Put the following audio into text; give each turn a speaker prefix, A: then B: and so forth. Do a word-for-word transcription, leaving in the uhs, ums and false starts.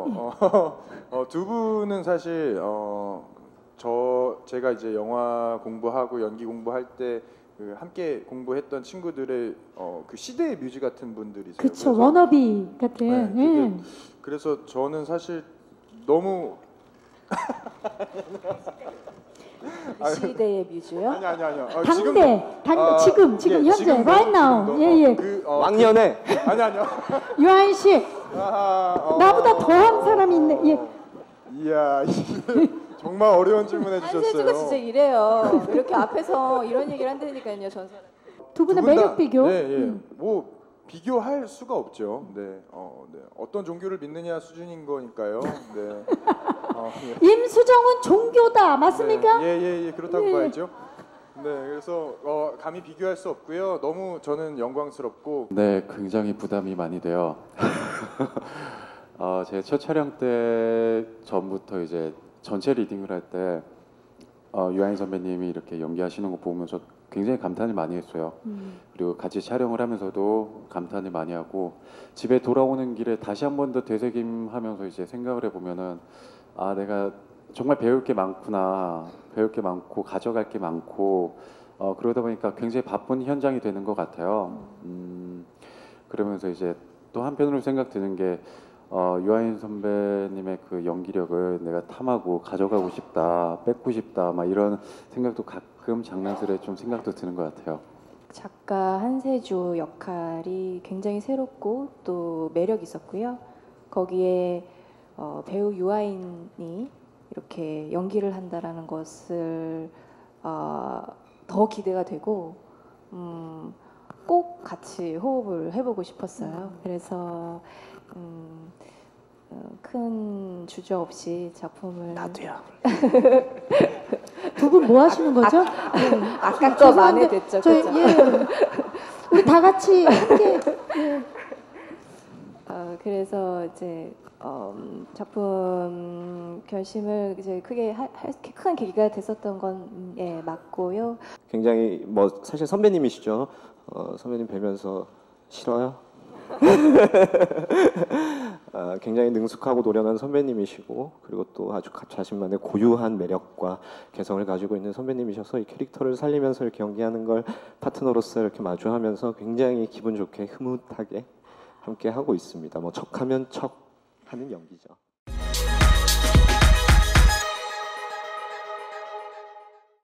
A: 있고요. 어, 어, 두 분은 사실 어, 저 제가 이제 영화 공부하고 연기 공부할 때 그 함께 공부했던 친구들의 어, 그 시대의 뮤즈 같은 분들이세요.
B: 그쵸, 워너비 같은.
A: 네, 그게,
B: 예.
A: 그래서 저는 사실 너무
C: 그 시대의 뮤즈요?
A: 아니 아니 아니요. 어,
B: 당대,
A: 지금,
B: 당,
A: 아,
B: 지금, 지금
A: 예,
B: 현재,
A: 지금도,
B: right now.
A: 지금도,
B: 예, 예.
A: 어, 그, 어,
D: 왕년에
A: 그, 아니 아니요.
B: 유한 씨,
A: 아하, 어,
B: 나보다 더한 사람이 있네. 예.
A: 이야, 정말 어려운 질문
C: 한세주가
A: 해주셨어요.
C: 진짜 이래요. 이렇게 앞에서 이런 얘기를 한다니까요, 전 사람.
B: 두 분의
A: 두분
B: 매력
A: 다,
B: 비교.
A: 네, 예.
B: 음.
A: 뭐 비교할 수가 없죠. 네, 어, 네. 어떤 종교를 믿느냐 수준인 거니까요. 네. 어, 예.
B: 임수정은 종교다, 맞습니까?
A: 네, 예, 예, 예, 그렇다고
B: 예.
A: 봐야죠. 네, 그래서 어, 감히 비교할 수 없고요. 너무 저는 영광스럽고.
E: 네, 굉장히 부담이 많이 돼요. 어, 제 첫 촬영 때 전부터 이제 전체 리딩을 할 때 어, 유아인 선배님이 이렇게 연기하시는 거 보면서 굉장히 감탄을 많이 했어요.
B: 음.
E: 그리고 같이 촬영을 하면서도 감탄을 많이 하고 집에 돌아오는 길에 다시 한 번 더 되새김하면서 이제 생각을 해보면은 아 내가 정말 배울 게 많구나, 배울 게 많고 가져갈 게 많고 어, 그러다 보니까 굉장히 바쁜 현장이 되는 것 같아요. 음, 그러면서 이제 또 한편으로 생각 드는 게 어, 유아인 선배님의 그 연기력을 내가 탐하고 가져가고 싶다, 뺏고 싶다, 막 이런 생각도 가끔 장난스레 좀 생각도 드는 것 같아요.
C: 작가 한세주 역할이 굉장히 새롭고 또 매력 있었고요. 거기에 어, 배우 유아인이 이렇게 연기를 한다라는 것을 어, 더 기대가 되고 음, 꼭 같이 호흡을 해보고 싶었어요. 그래서 음, 어, 큰 주저 없이 작품을
D: 나도요.
B: 두 분 뭐 하시는 거죠?
C: 아까 거 만회됐죠,
B: 저희,
C: 그죠?
B: 예. 우리 다 같이 함께. 예.
C: 어, 그래서 이제 어, 작품 결심을 이제 크게 할 큰 계기가 됐었던 건 예, 맞고요.
D: 굉장히 뭐 사실 선배님이시죠. 어, 선배님 뵈면서 싫어요? 아, 굉장히 능숙하고 노련한 선배님이시고 그리고 또 아주 자신만의 고유한 매력과 개성을 가지고 있는 선배님이셔서 이 캐릭터를 살리면서 이렇게 연기하는 걸 파트너로서 이렇게 마주하면서 굉장히 기분 좋게 흐뭇하게 함께 하고 있습니다. 뭐 척하면 척 하는 연기죠.